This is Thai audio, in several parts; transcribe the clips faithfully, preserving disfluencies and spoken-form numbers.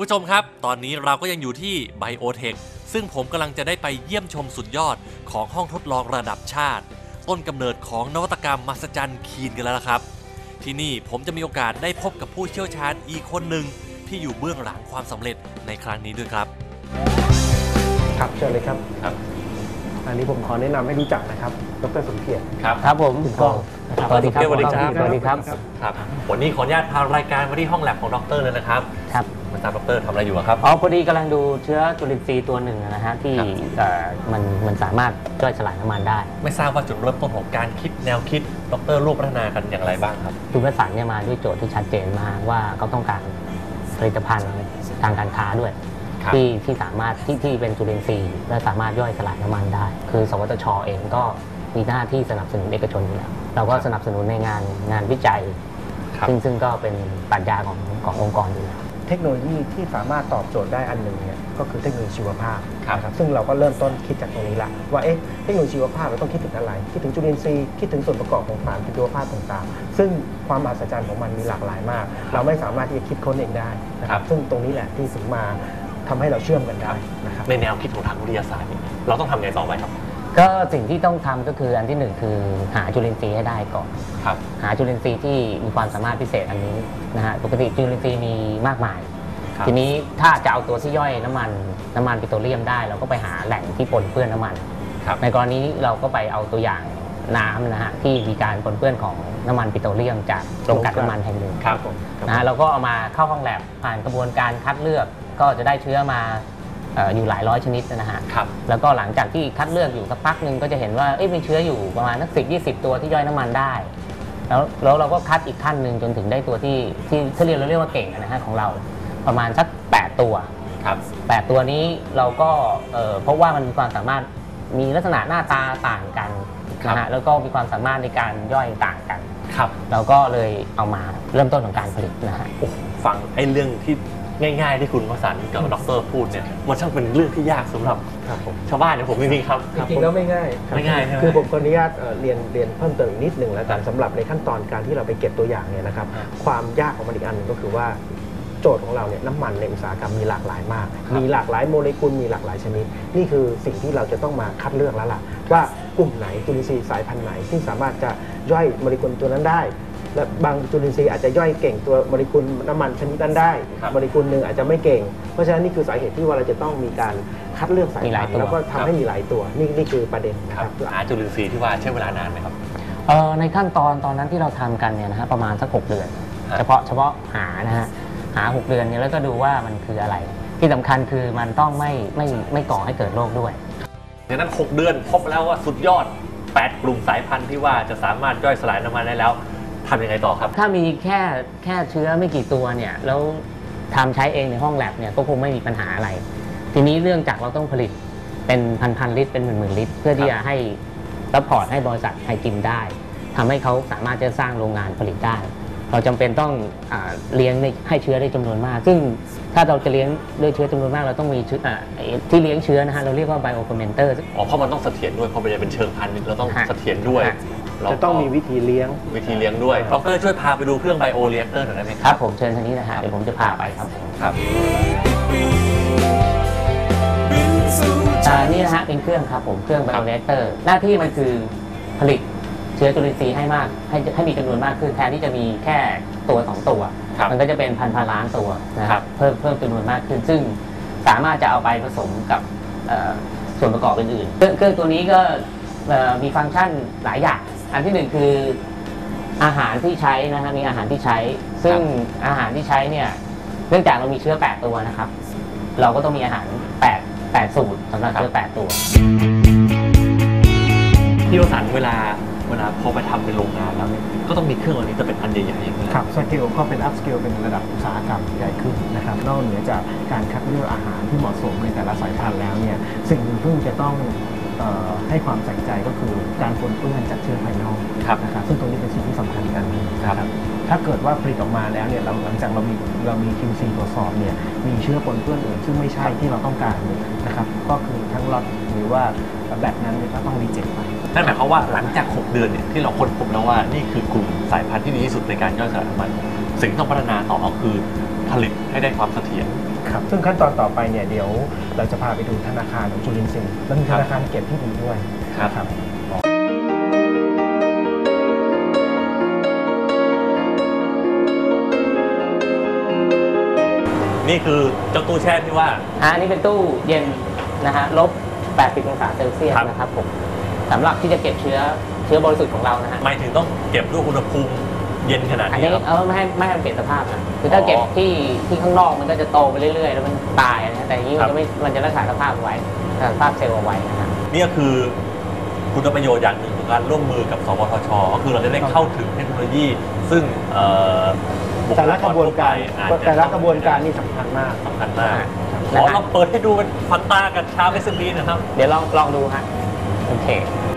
ผู้ชมครับตอนนี้เราก็ยังอยู่ที่ไบโอเทคซึ่งผมกำลังจะได้ไปเยี่ยมชมสุดยอดของห้องทดลองระดับชาติต้นกำเนิดของนวัตกรรมมหัศจรรย์คีนกันแล้วละครับที่นี่ผมจะมีโอกาสได้พบกับผู้เชี่ยวชาญอีกคนหนึ่งที่อยู่เบื้องหลังความสำเร็จในครั้งนี้ด้วยครับครับเชิญเลยครับครับอันนี้ผมขอแนะนำให้รู้จักนะครับดร.สมเกียรติครับครับผมคุณก้องสวัสดีครับสวัสดีครับสวัสดีครับครับวันนี้ขออนุญาตพารายการมาที่ห้องแลบของดรเลยนะครับครับมาทราบดรทำอะไรอยู่ครับอ๋อพอดีกำลังดูเชื้อจุลินทรีย์ตัวหนึ่งนะฮะที่มันมันสามารถย่อยสลายน้ำมันได้ไม่ทราบว่าจุดเริ่มต้นของการคิดแนวคิดดรร่วมพัฒนากันอย่างไรบ้างครับจุลสารเนี่ยมาด้วยโจทย์ที่ชัดเจนมากว่าเขาต้องการผลิตภัณฑ์ทางการค้าด้วยที่ที่สามารถที่ที่เป็นจุลินทรีย์และสามารถย่อยสลายน้ำมันได้คือสวทช.เองก็มีหน้าที่สนับสนุนเอกชนอยู่แล้วเราก็สนับสนุนในงานงานวิจัยซึ่งซึ่งก็เป็นปรัชญาของขององค์กรอยู่แล้วเทคโนโลยีที่สามารถตอบโจทย์ได้อันหนึ่งเนี่ยก็คือเทคโนโลยีชีวภาพนะครับซึ่งเราก็เริ่มต้นคิดจากตรงนี้ละว่าเอ๊ะเทคโนโลยีชีวภาพเราต้องคิดถึงอะไรคิดถึงจุลินทรีย์คิดถึงส่วนประกอบของสารชีวภาพต่างๆซึ่งความมหัศจรรย์ของมันมีหลากหลายมากเราไม่สามารถที่จะคิดค้นเองได้นะครับซึ่งตรงนี้แหละที่ถึงมาทำให้เราเชื่อมกันได้นะครับในแนวคิดของทางวิทยาศาสตร์เราต้องทำไงต่อไปครับก็สิ่งที่ต้องทำก็คืออันที่หนึ่งคือหาจุลินทรีย์ให้ได้ก่อนหาจุลินทรีย์ที่มีความสามารถพิเศษอันนี้นะฮะปกติจุลินทรีย์มีมากมายทีนี้ถ้าจะเอาตัวที่ย่อยน้ำมันน้ำมันปิโตรเลียมได้เราก็ไปหาแหล่งที่ปนเปื้อนน้ำมันในกรณีเราก็ไปเอาตัวอย่างน้ำนะฮะที่มีการปนเปื้อนของน้ำมันปิโตรเลียมจากโรงกลั่นน้ำมันแห่งหนึ่งนะฮะเราก็เอามาเข้าห้องแลบผ่านกระบวนการคัดเลือกก็จะได้เชื้อมาอยู่หลายร้อยชนิดนะฮะแล้วก็หลังจากที่คัดเลือกอยู่สักพักหนึ่งก็จะเห็นว่ามีเชื้ออยู่ประมาณสักสิบยี่สิบตัวที่ย่อยน้ำมันได้แล้วแล้วเราก็คัดอีกขั้นหนึ่งจนถึงได้ตัวที่ที่ที่เรียกเราเรียกว่าเก่งนะฮะของเราประมาณสักแปดตัวแปดตัวนี้เราก็เพราะว่ามันมีความสามารถมีลักษณะหน้าตาต่างกันนะฮะแล้วก็มีความสามารถในการย่อยต่างกันเราก็เลยเอามาเริ่มต้นของการผลิตนะฮะฟังไอ้เรื่องที่ง่ายๆที่คุณวสันต์กับดร.พูดเนี่ยมันช่างเป็นเรื่องที่ยากสำหรับชาวบ้านอย่างผมจริงๆครับจริงๆแล้วไม่ง่ายไม่ง่ายใช่ไหมคือผมขออนุญาตเรียนเรียนเพิ่มเติมอีกนิดหนึ่งแล้วกันสำหรับในขั้นตอนการที่เราไปเก็บตัวอย่างเนี่ยนะครับความยากของมันอีกอันหนึ่งก็คือว่าโจทย์ของเราเนี่ยน้ำมันในอุตสาหกรรมมีหลากหลายมากมีหลากหลายโมเลกุลมีหลากหลายชนิดนี่คือสิ่งที่เราจะต้องมาคัดเลือกแล้วล่ะว่ากลุ่มไหนจุลินทรีย์สายพันธุ์ไหนที่สามารถจะย่อยโมเลกุลตัวนั้นได้และบางจุลินทรีย์อาจจะย่อยเก่งตัวโมเลกุลน้ำมันชนิดนั้นได้โมเลกุลหนึ่งอาจจะไม่เก่งเพราะฉะนั้นนี่คือสาเหตุที่ว่าเราจะต้องมีการคัดเลือกสายพันธุ์แล้วก็ทำให้มีหลายตัวนี่นี่คือประเด็นนะครับหาจุลินทรีย์ที่ว่าใช้เวลานานไหมครับในขั้นตอนตอนนั้นที่เราทำกันเนี่ยนะฮะประมาณสักหกเดือนเฉพาะเฉพาะหานะฮะหาหกเดือนเนี่ยแล้วก็ดูว่ามันคืออะไรที่สำคัญคือมันต้องไม่ไม่ไม่ก่อให้เกิดโรคด้วยดังนั้นหกเดือนพบแล้วว่าสุดยอดแปดกลุ่มสายพันธุ์ที่ว่าจะสามารถย่อยสลายน้ำมันได้แล้วทำยังไงต่อครับถ้ามีแค่แค่เชื้อไม่กี่ตัวเนี่ยแล้วทำใช้เองในห้องแลบเนี่ยก็คงไม่มีปัญหาอะไรทีนี้เรื่องจากเราต้องผลิตเป็นพันพันลิตรเป็นหมื่นหมื่นลิตรเพื่อที่จะให้ซัพพอร์ตให้บริษัทไทยกิมได้ทำให้เขาสามารถจะสร้างโรงงานผลิตได้เราจำเป็นต้องเลี้ยงให้เชื้อได้จำนวนมากซึ่งถ้าเราจะเลี้ยงด้วยเชื้อจำนวนมากเราต้องมีที่เลี้ยงเชื้อนะฮะเราเรียกว่าไบโอเฟอร์เมนเตอร์อ๋อเพราะมันต้องเสถียรด้วยเพราะมันจะเป็นเชิงพันธุ์เราต้องเสถียรด้วยจะต้องมีวิธีเลี้ยงวิธีเลี้ยงด้วยดร.ช่วยพาไปดูเครื่องไบโอเรีแอคเตอร์หน่อยได้ไหมครับผมเชิญทางนี้นะฮะเดี๋ยวผมจะพาไปครับครับนี่นะฮะเป็นเครื่องครับผมเครื่องไบโอเรีแอคเตอร์หน้าที่มันคือผลิตเชื้อจุลินทรีย์ให้มากให้ให้มีจำนวนมากขึ้นแทนที่จะมีแค่ตัวสองตัวมันก็จะเป็นพันพันล้านตัวนะครับเพิ่มเพิ่มจำนวนมากขึ้นซึ่งสามารถจะเอาไปผสมกับส่วนประกอบอื่นๆเครื่องตัวนี้ก็มีฟังก์ชันหลายอย่างอันที่หนึ่งคืออาหารที่ใช้นะฮะมีอาหารที่ใช้ซึ่งอาหารที่ใช้เนี่ยเนื่องจากเรามีเชื้อแปดตัวนะครับเราก็ต้องมีอาหารแปด แปดสูตรสำหรับเชื้อแปดตัวที่วสันต์เวลาเวลาพอไปทำเป็นโรงงานแล้วเนี่ยก็ต้องมีเครื่องอันนี้จะเป็นอันใหญ่ๆอย่างนี้ครับสเกลก็เป็นอัพสเกลเป็นระดับอุตสาหกรรมใหญ่ขึ้นนะครับนอกเหนือจากการคัดเลือกอาหารที่เหมาะสมในแต่ละสายพันธุ์แล้วเนี่ยสิ่งหนึ่งที่จะต้องให้ความใส่ใจก็คือการปนเปื้อนจากเชื้อภายนอกนะครับซึ่งตรงนี้เป็นสิ่งที่สำคัญกันนะครับถ้าเกิดว่าผลิตออกมาแล้วเนี่ยเราหลังจากเรามีเรามี คิว ซี ตรวจสอบเนี่ยมีเชื้อปนเปื้อนอื่นซึ่งไม่ใช่ที่เราต้องการนะครับก็คือทั้งล็อตหรือว่าแบบนั้นก็ต้องรีเจ็คไปนั่นหมายความว่าหลังจากหกเดือนเนี่ยที่เราค้นพบแล้วว่านี่คือกลุ่มสายพันธุ์ที่ดีที่สุดในการย่อยสลายน้ำมันสิ่งที่ต้องพัฒนาต่อคือผลิตให้ได้ความเสถียรครับซึ่งขั้นตอนต่อไปเนี่ยเดี๋ยวเราจะพาไปดูธนาคารของจุลินทรีย์แล้วมีธนาคารเก็บที่ดีด้วยครับนี่คือเจ้าตู้แช่ที่ว่าอ่าอันนี้เป็นตู้เย็นนะฮะลบแปดสิบองศาเซลเซียสครับนะครับผมสำหรับที่จะเก็บเชื้อเชื้อบริสุทธิ์ของเรานะฮะหมายถึงต้องเก็บด้วยอุณหภูมิเย็นขนาดอันนี้นี้ครับเออไม่ให้ไม่ให้มันเปลี่ยนสภาพนะคือถ้าอ๋อเก็บที่ที่ข้างนอกมันก็จะโตไปเรื่อยๆ แล้วมันตายนะฮะแต่อย่างนี้ครัมันบจะไม่มันจะรักษาสภาพไว้รักษาสภาพเซลล์เอาไว้นะฮะนี่ก็คือคุณประโยชน์อย่างหนึ่งของการร่วมมือกับสวทชก็คือเราจะได้เข้าถึงเทคโนโลยี ซึ่งเอ่อบุคแต่ลาละกกรระบวนการทั่วไปอาจจะแต่ละกระบวนการนี่สำคัญมากสำคัญมากนะฮะขอลองเปิดให้ดูเป็นควันตากับชาเอสเอ็มบีนะครับเดี๋ยวลองลองดูฮะโอเค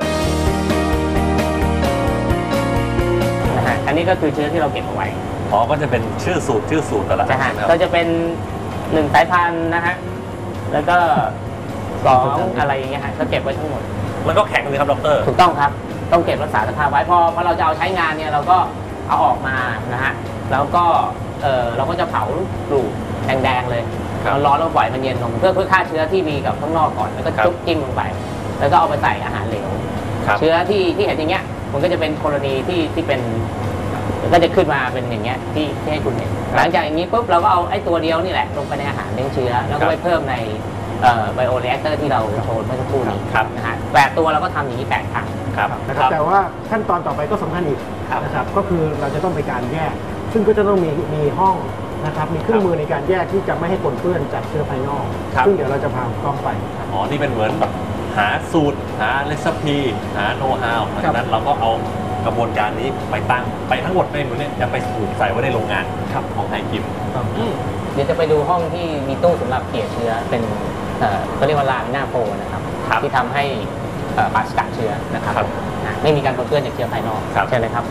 นะฮะอันนี้ก็คือเชื้อที่เราเก็บเอาไว้อ๋อก็จะเป็นชื่อสูตรชื่อสูตรแต่ละอันะฮะนนะครับก็จะเป็นหนึ่งสายพันธุ์นะฮะแล้วก็สองอะไรอย่างเงี้ยฮะก็เก็บไว้ทั้งหมดมันก็แข็งเลยครับดรถูกต้องครับ ต้องเก็บรักษาสภาพไว้พอพอเราจะเอาใช้งานเนี่ยเราก็เอาออกมานะฮะแล้วก็เออเราก็จะเผาปลูกแดงๆเลยครับเราร้อนแล้วปล่อยมันเย็นลงเพื่อเพื่อฆ่าเชื้อที่มีกับข้างนอกก่อนแล้วก็ครับจุ๊บจิ้มลงไป แล้วก็เอาไปใส่อาหารเหลวครับเชื้อที่ที่เห็นอย่างเงี้ยมันก็จะเป็นกรณีที่ที่เป็นก็จะขึ้นมาเป็นอย่างเงี้ยที่ที่ให้คุณเห็นหลังจากอย่างนี้ปุ๊บเราก็เอาไอ้ตัวเดียวนี่แหละลงไปในอาหารเลี้ยงเชื้อแล้วก็ไปเพิ่มในไบโอเรแอคเตอร์ที่เราโชว์เมื่อสักครู่นี้ครับนะฮะแปดตัวเราก็ทำอย่างนี้แปดครั้งครับนะครับแต่ว่าขั้นตอนต่อไปก็สำคัญอีกครับนะครับก็คือเราจะต้องไปการแยก ซึ่งก็จะต้องมีมีห้องนะครับมีเครื่องมือในการแยกที่จะไม่ให้ปนเปื้อนจากเชื้อภายนอกครับซึ่งเดี๋ยวเราจะพากล้องไปอ๋อ นี่เป็นเหมือนแบบหาสูตร หาเรซปีหาโน้ตฮาวหลังจากนั้นเราก็เอากระบวนการนี้ไปตั้งไปทั้งหมดในหมดเนี่ยจะไปถูกใส่ไว้ในโรงงานของไทยกิมเดี๋ยวจะไปดูห้องที่มีตู้สำหรับเกลี่ยเชื้อเป็นเอ่อก็เรียกว่าลามิน่าโฟนะครับครับที่ทำให้เอ่อปราศจากเชื้อนะครับครับอ่ะไม่มีการปนเปื้อนจากเชื้อภายนอกครับใช่เลยครับ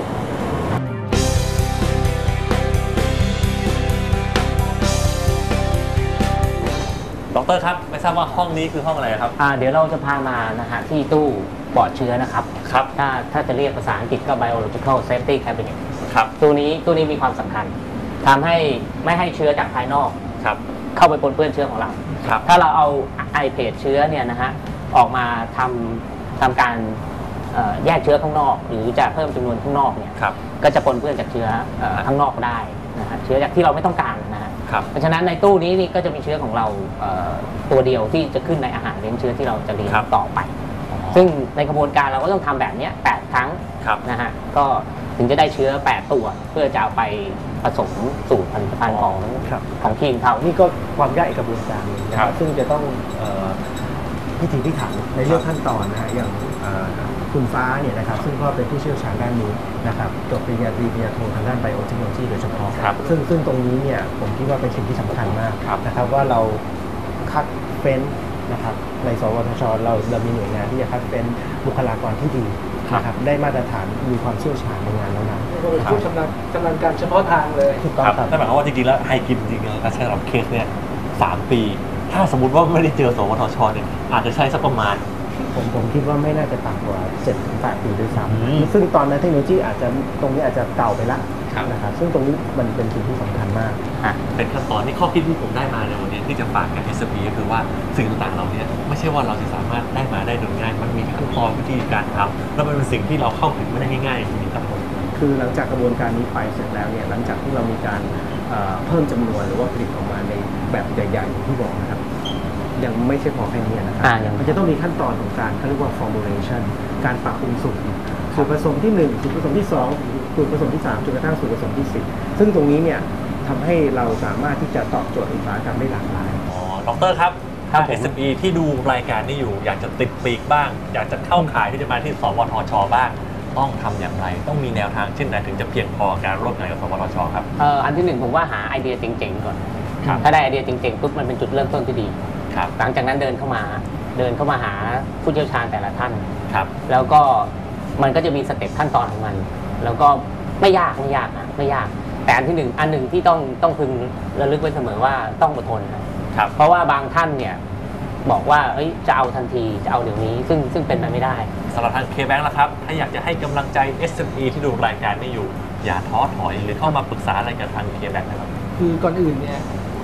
ดรครับ ไม่ทราบว่าห้องนี้คือห้องอะไรครับอ่าเดี๋ยวเราจะพามานะฮะที่ตู้ปลอดเชื้อนะครับครับถ้าถ้าจะเรียกภาษาอังกฤษก็ biological safety cabinet ครับตัวนี้ตัวนี้มีความสำคัญทำให้ไม่ให้เชื้อจากภายนอกครับเข้าไปปนเปื้อนเชื้อของเราครับถ้าเราเอาไอเพจเชื้อเนี่ยนะฮะออกมาทำทำการเอ่อแยกเชื้อข้างนอก หรือจะเพิ่มจำนวนข้างนอกเนี่ยครับก็จะปนเปื้อนจากเชื้อเอ่อข้างนอกได้นะฮะเชื้อจากที่เราไม่ต้องการนะฮะครับเพราะฉะนั้นในตู้นี้นี่ก็จะมีเชื้อของเราเอ่อตัวเดียวที่จะขึ้นในอาหารเลี้ยงเชื้อที่เราจะเลี้ยงครับต่อไป ซึ่งในกระบวนการเราก็ต้องทำแบบเนี้ยแปดครั้งครับนะฮะก็ถึงจะได้เชื้อแปดตัว เพื่อจะเอาไปผสมสู่ผลิตภัณฑ์ของครับของทีมเขานี่ก็ความยากอีกกระบวนการหนึงนะคครัรับบ ซึ่งจะต้องเอ่อพิถีพิถันในเรื่องขั้นตอนนะฮะอย่างเอ่อคุณฟ้าเนี่ยนะครับซึ่งก็เป็นผู้เชี่ยวชาญด้านนี้นะครับจบปริญญาตรีปริญญาโททางด้านไบโอเทคโนโลยีโดยเฉพาะครับซึ่งซึ่งตรงนี้เนี่ยผมคิดว่าเป็นสิ่งที่สำคัญมากครับนะครับว่าเราคัดเฟ้นนะครับในสวทชเราเรามีหน่วยงานที่จะคัดเฟ้นบุคลากรที่ดีนะครับได้มาตรฐานมีความเชี่ยวชาญในงานนั้นๆก็เป็นผู้ชำนาญชำนาญการเฉพาะทางเลยถูกต้องครับครับนั่นหมายความว่าจริงๆแล้วไทยกิมจริงๆแล้วการใช้สำหรับเคสเนี่ยสามปี ถ้าสมมติว่าไม่ได้เจอสวทชเนี่ยอาจจะใช้สักประมาณผมผมคิดว่าไม่น่าจะต่ำกว่าเจ็ดถึงแปดปีด้วยซ้อืมำซึ่งตอนนั้นเทคโนโลยีอาจจะตรงนี้อาจจะเก่าไปละครับนะครับซึ่งตรงนี้มันเป็นสิ่งที่สำคัญมากอ่ะเป็นขั้นตอนที่ข้อคิดที่ผมได้มาในวันนี้ที่จะฝากกับ เอส พี ก็คือว่าสิ่งต่างๆเหล่านี้ไม่ใช่ว่าเราจะสามารถได้มาได้โดยง่าย มันมีขั้นตอนวิธีการทำแล้วมันเป็นสิ่งที่เราเข้าถึงไม่ได้ง่ายๆจริงๆครับผมคือหลังจากกระบวนการนี้ไปเสร็จแล้วเนี่ยหลังจากที่เรามีการเอ่อเพิ่มจำนวนหรือว่าผลิตออกมาในแบบใหญ่ๆอย่างที่บอกนะครับยังไม่ใช่พอแค่นี้นะครัอ่ายังมันจะต้องมีขั้นตอนของการเขาเรียกว่า formulation การปรับปรุงสูตรสูตรผสมที่หนึ่งสูตรผสมที่สองสูตรผสมที่สามจนกระทั่งสูตรผสมที่สี่ซึ่งตรงนี้เนี่ยทำให้เราสามารถที่จะตอบโจทย์อุตสาหกรรมได้หลากหลายอ๋อดรครับครัถ้าบผมเอส พี ที่ดูรายการนี้อยู่ อยากจะติดปีกบ้าง อยากจะเข้าขายที่จะมาที่สวทชบ้างต้องทำอย่างไร ต้องมีแนวทางเช่นใดถึงจะเพียงพอการร่วมงานกับสวทชครับเอ่ออันที่หนึ่งผมว่าหาไอเดียเจ๋งๆก่อนครับถ้าได้ไอเดียเจ๋งๆปุ๊บมันเป็นจุดเริ่มต้นที่ดีครับหลังจากนั้นเดินเข้ามาเดินเข้ามาหาผู้เชี่ยวชาญแต่ละท่านครับแล้วก็มันก็จะมีสเต็ปขั้นตอนของมัน แล้วก็ไม่ยากไม่ยากนะไม่ยาก แต่อันที่หนึ่งอันหนึ่งที่ต้องต้องพึงระลึกไว้เสมอว่าต้องอดทนนะครับ เพราะว่าบางท่านเนี่ยบอกว่าเอ้ยจะเอาทันทีจะเอาเดี๋ยวนี้ ซึ่งซึ่งเป็นไปไม่ได้สำหรับทาง K-Bank ล่ะครับ ถ้าอยากจะให้กำลังใจ เอส เอ็ม อี ที่ดูรายการนี้อยู่ อย่าท้อถอยหรือเข้ามาปรึกษาอะไรกับทาง K-Bank นะครับคือก่อนอื่นเนี่ย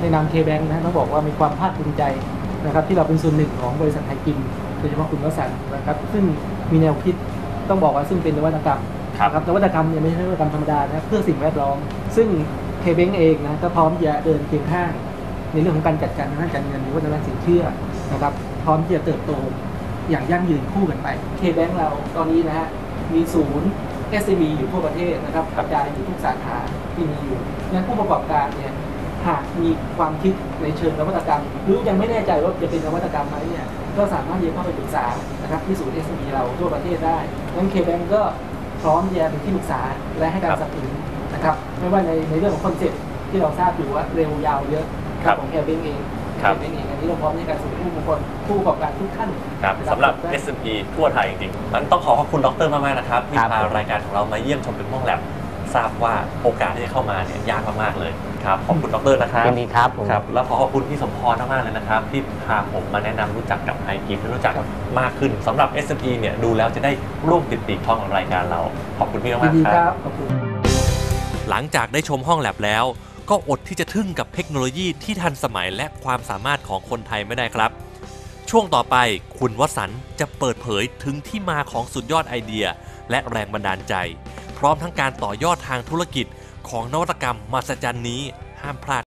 ในนาม K-Bank นะต้องบอกว่ามีความภาคภูมิใจนะครับที่เราเป็นส่วนหนึ่งของบริษัทไทยกิมโดยเฉพาะคุณวสันต์นะครับซึ่งมีแนวคิดต้องบอกว่าซึ่งเป็นนวัตกรรมนะครับนวัตกรรมเนี่ยไม่ใช่นวัตกรรมธรรมดานะเพื่อสิ่งแวดล้อมซึ่ง K-Bank เองนะก็พร้อมจะเดินเคียงข้างในเรื่องของการจัดการทางด้านการเงินหรือว่าทางด้านสินเชื่อนะครับพร้อมที่จะเติบโตอย่างยั่งยืนคู่กันไป K-Bank เราตอนนี้นะฮะมีศูนย์ เอส เอ็ม อี อยู่ทั่วประเทศนะครับกระจายอยู่ทุกสาขาที่มีอยู่งั้นผู้ประกอบการเนี่ยหากมีความคิดในเชิงนวัตกรรมหรือยังไม่แน่ใจว่าจะเป็นนวัตกรรมไหมเนี่ยก็สามารถที่จะเข้าไปปรึกษานะครับที่ศูนย์ เอส เอ็ม อี เราทั่วประเทศได้งั้น K-Bank ก็พร้อมที่จะเป็นที่ปรึกษาและให้การสนับสนุนนะครับไม่ว่าในในเรื่องของคอนเซ็ปต์ที่เราทราบอยู่ว่าเร็วยาวเยอะของ K-Bank เอง K-Bank เองอันนี้เราพร้อมในการสนับสนุนผู้ประกอบผู้ประกอบการทุกท่านครับสำหรับ เอส เอ็ม อี ทั่วไทยจริงๆมันต้องขอขอบคุณดรมากๆนะครับที่ครับพารายการของเรามาเยี่ยมชมเป็นห้องแลบทราบว่าโอกาสที่จะเข้ามาเนี่ยยากมากๆเลยครับขอบคุณดรนะครับยินดีครับผมครับแล้วขอขอบคุณพี่สมพรมากๆเลยนะครับที่พาผมมาแนะนำรู้จักกับไอกิฟให้รู้จักมากขึ้นสำหรับ เอส เอ็ม อี เนี่ยดูแล้วจะได้ร่วมติดปีกท้องกับรายการเราขอบคุณพี่ยิมาน กดีๆคครัรับ บขอบคุณหลังจากได้ชมห้องแลบแล้ว ก็อดที่จะทึ่งกับเทคโนโลยีที่ทันสมัยและความสามารถของคนไทยไม่ได้ครับ ช่วงต่อไปคุณวสันต์จะเปิดเผยถึงที่มาของสุดยอดไอเดีย และแรงบันดาลใจ พร้อมทั้งการต่อยอดทางธุรกิจของนวัตกรรมมหัศจรรย์นี้ห้ามพลาด